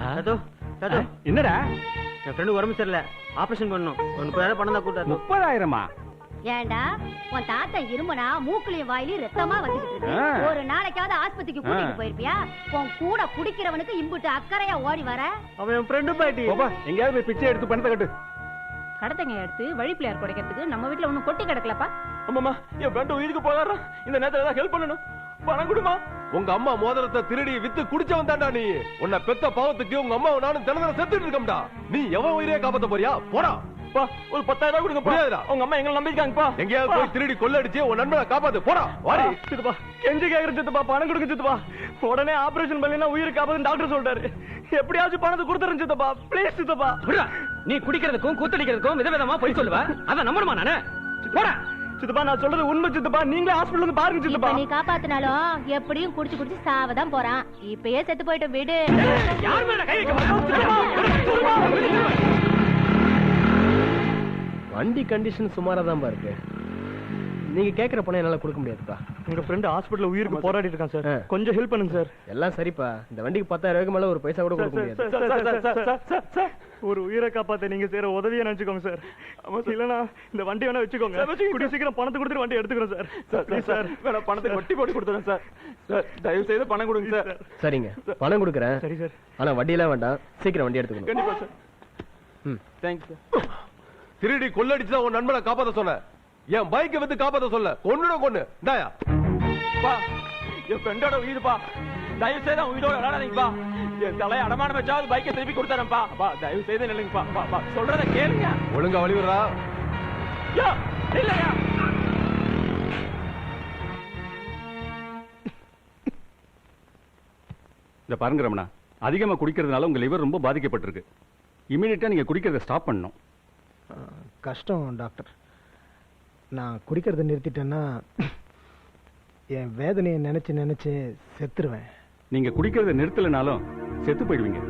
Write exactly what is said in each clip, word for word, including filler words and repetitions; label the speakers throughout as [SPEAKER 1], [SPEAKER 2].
[SPEAKER 1] என்னடா
[SPEAKER 2] என் ஃப்ரெண்டு உடம்பு சரியில்லை, ஆபரேஷன் பண்ணணும். முப்பதாயிரம் பணம் தான் கூட்டாரு.
[SPEAKER 1] முப்பதாயிரமா?
[SPEAKER 3] ஏண்டா உன் தாத்தா இருமனா மூக்குலயும் வாயிலையும் ரத்தமா வந்துகிட்டு இருக்கு. ஒரு நாளைக்காவது ஆஸ்பத்திரிக்கு கூட்டிட்டு போயிருப்பியா? உன் கூட குடிக்கிறவனுக்கு இம்புட்டு அக்கறையா ஓடி வர.
[SPEAKER 2] அவன் என் ஃப்ரெண்டு பாட்டி.
[SPEAKER 1] எங்கேயாவது போய் பிச்சை எடுத்து பணத்தை கட்டு.
[SPEAKER 4] கடத்தங்க எடுத்து வழி பிள்ளையார் குடைக்கிறதுக்கு நம்ம வீட்டுல ஒண்ணும் கொட்டி கிடக்கலப்பா.
[SPEAKER 5] அம்மாமா, என் ஃப்ரெண்டு உயிருக்கு போறான். இந்த நேரத்துல ஏதாவது ஹெல்ப் பண்ணணும். பணம் கொடுமா. உங்க அம்மா மோதிரத்தை திருடி வித்து குடிச்சவன் தான்டா நீ. உன்னை பெத்த பாவத்துக்கு உங்க அம்மாவை நானும் தினந்தர செத்துட்டு இருக்கோம்டா. நீ எவன் உயிரே காப்பாத்த போறியா? போடா. ஒரு பத்தாயிரம் கொடுங்க. முடியாதுடா. உங்க அம்மா எங்களை நம்பிருக்காங்கப்பா. எங்கேயாவது போய் திருடி கொள்ளடிச்சு உன் நண்பனை காப்பாத்து. போடா. வாடி. சித்தப்பா, கெஞ்சி கேக்குற சித்தப்பா, பணம் கொடுங்க சித்தப்பா. உடனே ஆபரேஷன் பண்ணா உயிரை காப்பாத்து டாக்டர் சொல்றாரு. எப்படியாச்சும் பணத்தை கொடுத்துறேன் சித்தப்பா. ப்ளீஸ் சித்தப்பா.
[SPEAKER 2] நீ குடிக்கிறதுக்கும் கூத்தடிக்கிறதுக்கும் விதவிதமா போய் சொல்லுவ. அத நம்பணுமா நானு? போடா.
[SPEAKER 5] சித்தப்பா, நான் சொல்றது உண்மை சித்தப்பா. நீங்களே ஹாஸ்பிடல்ல வந்து பாருங்க சித்தப்பா.
[SPEAKER 3] நீ காப்பாத்தினாலும் எப்படியும் குடிச்சு குடிச்சு சாவதான் போறான். இப்பயே செத்து போயிட்டு விடு.
[SPEAKER 2] யார் மேல கை வைக்க?
[SPEAKER 6] வண்டி கண்டிஷன் சுமாரா தான் இருக்கு. நீங்க கேக்குற பணம் என்னால கொடுக்க முடியாதுப்பா.
[SPEAKER 5] எங்க ஃப்ரெண்ட் ஹாஸ்பிடல்ல உயிருக்கு போராடிட்டு இருக்கான் சார். கொஞ்சம் ஹெல்ப் பண்ணுங்க சார்.
[SPEAKER 6] எல்லாம் சரிப்பா. இந்த வண்டிக்கு பத்தாயிரம் ரூபாய்க்கு மேல ஒரு பைசா கூட கொடுக்க முடியாது.
[SPEAKER 5] ஒரு உயிரை காப்பாத்த நீங்க செய்யற உதவியை நினைச்சுக்கோங்க சார். இல்லனா இந்த வண்டி வேணா வச்சுக்கோங்க. கூடிய சீக்கிரம் பணத்தை கொடுத்துட்டு வண்டி எடுத்துக்கிறோம் சார். Please sir. வேணா பணத்தை வட்டி போட்டு கொடுத்துறேன் சார். சார் தயவு செய்து பணம் கொடுங்க சார்.
[SPEAKER 6] சரிங்க, பணம் கொடுக்குறேன்.
[SPEAKER 5] சரி சார்.
[SPEAKER 6] ஆனா வண்டியெல்லாம் வேண்டாம், சீக்கிரம் வண்டி எடுத்துக்கணும்.
[SPEAKER 5] கண்டிப்பா சார்.
[SPEAKER 6] ம்,
[SPEAKER 5] தேங்க்ஸ் சார். திருடி கொள்ளடிச்சுதான் உன் நண்பனை காப்பாத்த சொன்ன. என் பைக்கை வந்து காப்பாத்த சொல்ல. கொன்னுட கொன்னு டாயா. பா, என் ஃப்ரெண்டோட உயிர்ப்பா. தயவு செய்து உயிரோட விளையாடாதீங்கப்பா. என் தலையை அடமானம் வச்சாவது பைக்கை திருப்பி கொடுத்தாரப்பா. பா, தயவு செய்து நில்லுங்கப்பா. பா, பா, சொல்றத கேளுங்க. ஒழுங்கா வழி விடுறா. யா, இல்லையா?
[SPEAKER 1] இந்த பாருங்க ரமணா, அதிகமா குடிக்கிறதுனால உங்க லிவர் ரொம்ப பாதிக்கப்பட்டிருக்கு. இமீடியட்டா நீங்க குடிக்கிறத ஸ்டாப் பண்ணணும்.
[SPEAKER 7] கஷ்டம் டாக்டர். நான் குடிக்கிறத நிறுத்திட்டேன்னா என் வேதனையை நினைச்சு நினைச்சு செத்துருவேன்.
[SPEAKER 1] நீங்க குடிக்கிறத நிறுத்தலைனாலும் செத்து போயிடுவீங்க.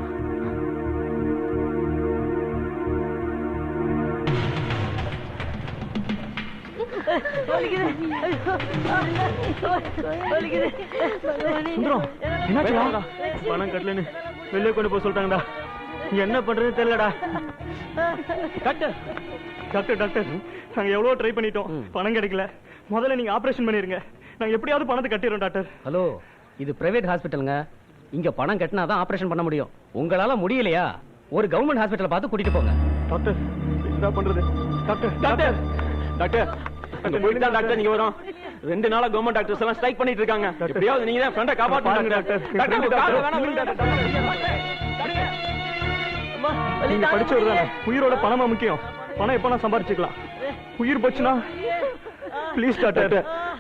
[SPEAKER 2] பணம் கட்டலன்னு வெளியே கொண்டு போய் சொல்லிட்டாங்கடா. என்ன பண்றதுன்னு தெரியலடா.
[SPEAKER 5] டாக்டர் டாக்டர் டாக்டர் நாங்க எவ்வளவு ட்ரை பண்ணிட்டோம், பணம் கிடைக்கல. முதல்ல நீங்க ஆபரேஷன் பண்ணிருங்க. நாங்க எப்படியாவது பணத்தை கட்டிடுறோம் டாக்டர்.
[SPEAKER 2] ஹலோ, இது பிரைவேட் ஹாஸ்பிட்டலுங்க. இங்க பணம் கட்டினாதான் ஆபரேஷன் பண்ண முடியும். உங்களால முடியலையா ஒரு கவர்மெண்ட் ஹாஸ்பிட்டல் பார்த்து கூட்டிட்டு போங்க.
[SPEAKER 5] டாக்டர் என்ன பண்றது? டாக்டர் டாக்டர் டாக்டர் அங்க போயிட்டு தான் டாக்டர் நீங்க வரோம். ரெண்டு நாளா கவர்மெண்ட் டாக்டர்ஸ் எல்லாம் ஸ்ட்ரைக் பண்ணிட்டு இருக்காங்க. எப்படியாவது நீங்க தான் ஃப்ரெண்ட காப்பாத்துங்க டாக்டர். டாக்டர் கால் வேணா விடுங்க டாக்டர். நீங்க படிச்சவர் தானே. உயிரோட பணமா முக்கியம். பணம் எப்ப நான் சம்பாரிச்சுக்கலாம். உயிர் போச்சுனா ப்ளீஸ் டாக்டர்.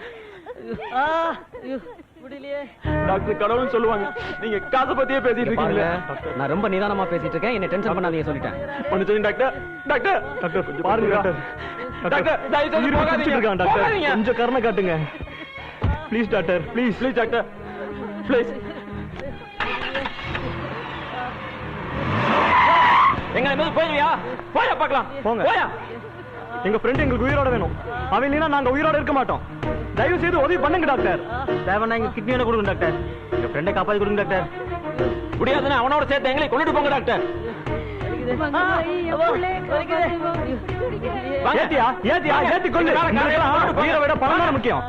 [SPEAKER 5] டாக்டர் கடவுள்னு சொல்லுவாங்க. நீங்க காசை பத்தியே பேசிட்டு இருக்கீங்க.
[SPEAKER 2] நான் ரொம்ப நிதானமா பேசிட்டு இருக்கேன். என்ன டென்ஷன் பண்ணாதீங்க சொல்லிட்டேன்.
[SPEAKER 5] மன்னிச்சுங்க டாக்டர். டாக்டர் டாக்டர் கொஞ்சம் பாருங்க டாக்டர். டாக்டர் தயவு செய்து போகாதீங்க டாக்டர். கொஞ்சம் கருணை காட்டுங்க please doctor. Please please doctor please.
[SPEAKER 2] எங்க மேல போய்யா? போயா பார்க்கலாம்.
[SPEAKER 5] போங்க.
[SPEAKER 2] போயா.
[SPEAKER 5] எங்க ஃப்ரெண்ட் எங்களுக்கு உயிரோட வேணும். அவன் இல்லைன்னா நாங்க உயிரோட இருக்க மாட்டோம். தயவு செய்து உதவி பண்ணுங்க டாக்டர்.
[SPEAKER 2] தேவனா எங்க கிட்னியோட கொடுங்க டாக்டர். எங்க ஃப்ரெண்டை காப்பாத்தி கொடுங்க டாக்டர். முடியாதுன்னா அவனோட சேர்த்து எங்களை கொண்டுட்டு போங்க டாக்டர்.
[SPEAKER 5] ஏத்தியா ஏத்தியா ஏத்தி கொண்டு. உயிரை விட பணம் தான் முக்கியம்.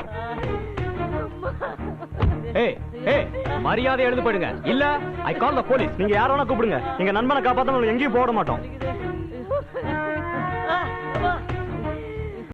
[SPEAKER 2] ஏய் ஏய், மரியாதை எழுந்து போயிடுங்க. இல்ல ஐ கால் தி போலீஸ்.
[SPEAKER 5] நீங்க யார வேணா கூப்பிடுங்க. எங்க நண்பனை காப்பாத்த எங்கேயும் போட மாட்டோம்.